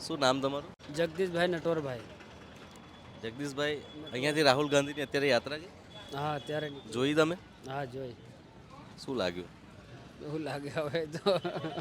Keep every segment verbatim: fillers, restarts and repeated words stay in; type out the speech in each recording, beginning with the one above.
શું નામ તમારું? જગદીશભાઈ નટવરભાઈ. જગદીશભાઈ, અહીંયાથી રાહુલ ગાંધીની અત્યારે યાત્રા છે, હા અત્યારે નીકળી. જોઈ તમે? હા જોઈ. શું લાગ્યું? એવું લાગે હવે તો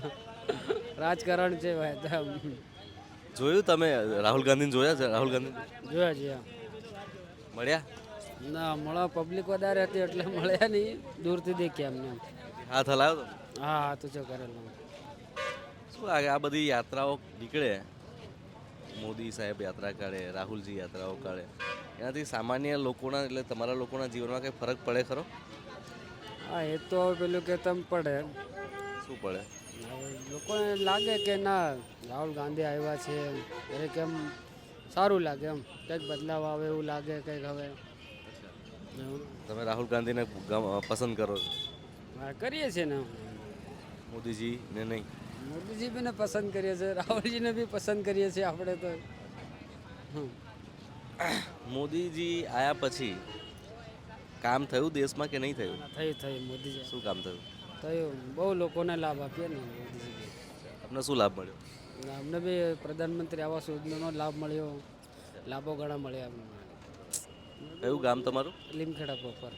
રાજકારણ છે ભાઈ તો જોયું તમે? રાહુલ ગાંધીને જોયા છે? રાહુલ ગાંધી જોયા જોયા. મળ્યા? ના મળવા પબ્લિક વધારે હતી એટલે મળ્યા નહીં, દૂરથી દેખ્યા એમને. હાથ હલાવ્યો તમે? હા હા તું જો કરેલું. શું લાગે આ બધી યાત્રાઓ નીકળે, મોદી સાહેબ યાત્રા કાઢે, રાહુલજી યાત્રાઓ કાઢે, એનાથી સામાન્ય લોકોના એટલે તમારા લોકોના જીવનમાં કંઈ ફરક પડે ખરો? હા એ તો હવે પેલું કે તમે પડે. શું પડે? હવે લોકોને લાગે કે ના રાહુલ ગાંધી આવ્યા છે દરેક એમ સારું લાગે, એમ કંઈક બદલાવ આવે એવું લાગે કંઈક હવે. એવું. તમે રાહુલ ગાંધીને ગમ- પસંદ કરો છો, હા કરીએ છીએ ને. મોદીજીને નહીં? મોદીજી બીને પસંદ કરીએ છીએ, રાહુલજીને બી પસંદ કરીએ છીએ આપણે તો. હમ. મોદીજી આયા પછી કામ થયું દેશમાં કે નહીં થયું? થઈ થઈ મોદીજી શું કામ થયું? થયું, બહુ લોકોને લાભ આપીએ ને મોદીજી બી. આપને શું લાભ મળ્યો? ને અમને બી પ્રધાનમંત્રી આવાસ યોજનાનો લાભ મળ્યો, લાભો ઘણા મળ્યા અમને. કયું ગામ તમારું? લીમખેડા પ્રોપર.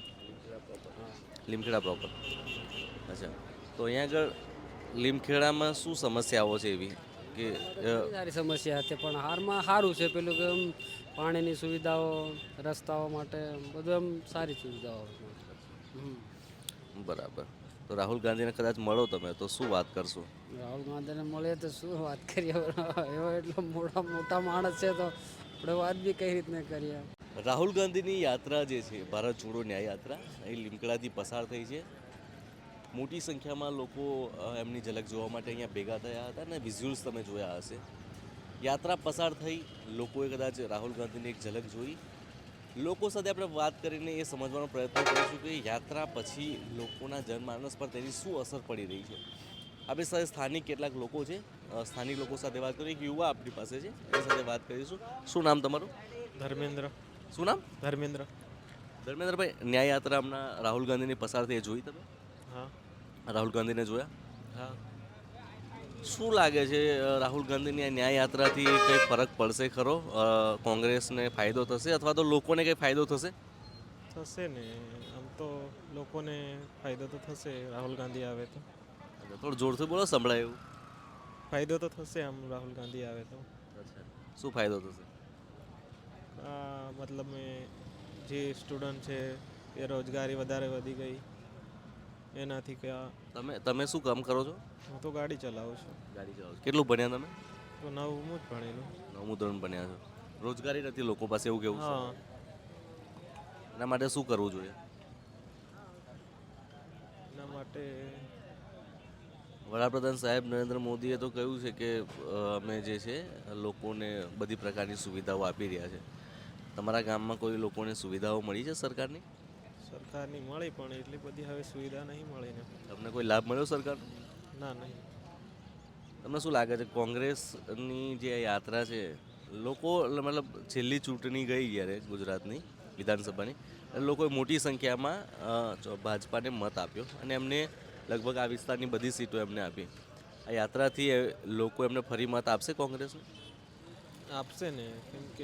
લીમખેડા પ્રોપર. અચ્છા, તો અહીંયા આગળ લીમખેડામાં શું સમસ્યાઓ છે એવી કે અ, સારી સમસ્યા હતી પણ હારમાં સારું છે પેલું કે એમ પાણીની સુવિધાઓ, રસ્તાઓ માટે બધું એમ સારી સુવિધાઓ. હમ. બરાબર. તો રાહુલ ગાંધીને કદાચ મળો તમે તો શું વાત કરશો? રાહુલ ગાંધીને મળીએ તો શું વાત કરીએ, એવો એટલો મોટા મોટા માણસ છે તો આપણે વાત બી કઈ રીતને કરીએ. રાહુલ ગાંધીની યાત્રા જે છે, ભારત જોડો ન્યાય યાત્રા, અહીં લીમખેડાથી પસાર થઈ છે. મોટી સંખ્યામાં લોકો અ, એમની ઝલક જોવા માટે અહીંયા ભેગા થયા હતા અને વિઝ્યુઅલ્સ તમે જોયા હશે. યાત્રા પસાર થઈ, લોકોએ કદાચ રાહુલ ગાંધીની એક ઝલક જોઈ. લોકો સાથે આપણે વાત કરીને એ સમજવાનો પ્રયત્ન કરીશું કે યાત્રા પછી લોકોના જનમાનસ પર તેની શું અસર પડી રહી છે. આપણી સાથે સ્થાનિક કેટલાક લોકો છે, અ, સ્થાનિક લોકો સાથે વાત કરીએ. એક યુવા આપણી પાસે છે, એની સાથે વાત કરીશું. શું નામ તમારું? ધર્મેન્દ્ર. શું નામ? ધર્મેન્દ્ર. ધર્મેન્દ્રભાઈ, ન્યાય યાત્રા હમણાં રાહુલ ગાંધીની પસાર થઈ, એ જોઈ તમે? હા. રાહુલ ગાંધીને જોયા? હા. શું લાગે છે અ, રાહુલ ગાંધીની આ ન્યાય યાત્રાથી કંઈ ફરક પડશે ખરો? અ, કોંગ્રેસને ફાયદો થશે અથવા તો લોકોને કંઈ ફાયદો થશે? થશે ને, આમ તો લોકોને ફાયદો તો થશે રાહુલ ગાંધી આવે તો. થોડું જોરથી બોલો, સંભળાય એવું. ફાયદો તો થશે આમ રાહુલ ગાંધી આવે તો. અચ્છા, શું ફાયદો થશે? આ મતલબ મેં જે સ્ટુડન્ટ છે એ રોજગારી વધારે વધી ગઈ એનાથી કે આ- તમે તમે શું કામ કરો છો? હું તો ગાડી ચલાવું છું. ગાડી ચલાવો છો. કેટલું ભણ્યા તમે? તો નવમું જ ભણેલું. નવમું ધોરણ ભણ્યા છો. રોજગારી નથી લોકો પાસે, એવું કેવું છે? હા. એના માટે શું કરવું જોઈએ? એના માટે વડાપ્રધાન સાહેબ નરેન્દ્ર મોદીએ તો કહ્યું છે કે અ, અમે જે છે લોકોને બધી પ્રકારની સુવિધાઓ આપી રહ્યા છે. તમારા ગામમાં કોઈ લોકોને સુવિધાઓ મળી છે સરકારની? સરકારની મળી પણ એટલી બધી હવે સુવિધા નહીં મળી ને. તમને કોઈ લાભ મળ્યો સરકારનો? ના નહીં. તમને શું લાગે છે કોંગ્રેસની જે આ યાત્રા છે, લોકો મતલબ છેલ્લી ચૂંટણી ગઈ જ્યારે ગુજરાતની વિધાનસભાની, એટલે લોકોએ મોટી સંખ્યામાં અ, જો ભાજપાને મત આપ્યો અને એમને લગભગ આ વિસ્તારની બધી સીટો એમને આપી. આ યાત્રાથી એ લોકો એમને ફરી મત આપશે કોંગ્રેસને? આપશે ને, કેમ કે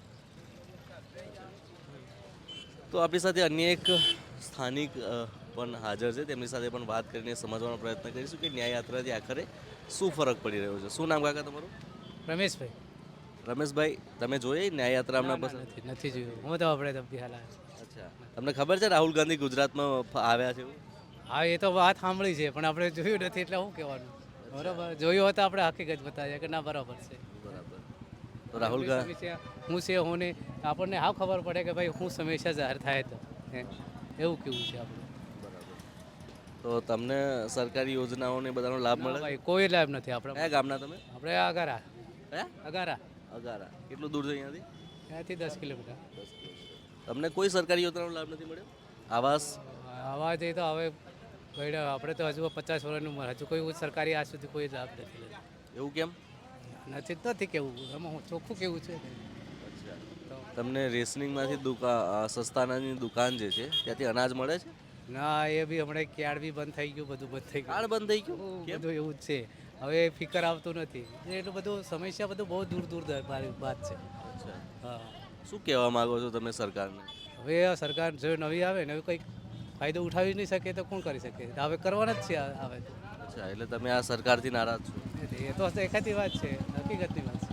તો આપણી સાથે અન્ય એક સ્થાનિક અ, પણ હાજર છે, તેમની સાથે પણ વાત કરીને સમજવાનો પ્રયત્ન કરીશું કે ન્યાય યાત્રાથી આખરે શું ફરક પડી રહ્યો છે. શું નામ કાકા તમારું? રમેશભાઈ. રમેશભાઈ, તમે જોઈ ન્યાય યાત્રા ના, હમણાં ના, પસંદ? નથી નથી જોયું. હું તો આપણે તો બિહાર આવ્યો. અચ્છા, તમને ખબર છે રાહુલ ગાંધી ગુજરાતમાં ફ- આવ્યા છે એવું? હા એ તો વાત સાંભળી છે પણ આપણે જોયું નથી એટલે શું કહેવાનું. બરાબર, જોયું હોય તો આપણે હકીકત બતાવીએ કે ના બરાબર છે. બરાબર. તો રાહુલ આપણી ગાંધી સમસ્યા હું છે હું નહીં, આપણને હા ખબર પડે કે ભાઈ હું સમસ્યા જાહેર થાય તો હે, એવું કેવું છે આપણું. તો તમને સરકારી યોજનાઓને બધાનો લાભ ના મળે છે? ભાઈ કોઈ લાભ નથી આપણે. કયા ગામના તમે? આપણે અગારા. કયા? અગારા. અગારા. કેટલું દૂર છે અહીંયાથી? ત્યાંથી દસ કિલોમીટર. તમને કોઈ સરકારી યોજનાનો લાભ નથી મળ્યો? આવાસ? આવા જઈએ તો હવે ભાઈ આપણે તો હજુ પચાસ વર્ષની ઉંમર, હજુ કોઈ સરકારી આજ સુધી કોઈ લાભ નથી લીધો. એવું કેમ? નથી જ નથી કેવું, એમાં હું ચોખ્ખું કેવું છે. તો તમને રેશનિંગમાંથી દુકાન સસ્તા અનાજની દુકાન જે છે ત્યાંથી અનાજ મળે છે? ના એ બી હમણાં ક્યાર બી બંધ થઈ ગયું, બધું બંધ થઈ ગયું. કાર્ડ બંધ થઈ ગયું કેમ? બધું એવું જ છે. હવે ફિકર આવતું નથી. એટલું બધું સમસ્યા બધું બહુ દૂર દૂર વાત છે. અચ્છા, હા, શું કહેવા માંગો છો તમે સરકારને? હવે આ સરકાર જો નવી આવે ને હવે કંઈક ફાયદો ઉઠાવી નહીં શકે તો કોણ કરી શકે? હવે કરવાના જ છે આ- આવે તો. અચ્છા, એટલે તમે આ સરકારથી નારાજ છો? એ તો દેખાતી વાત છે, હકીકતની વાત છે.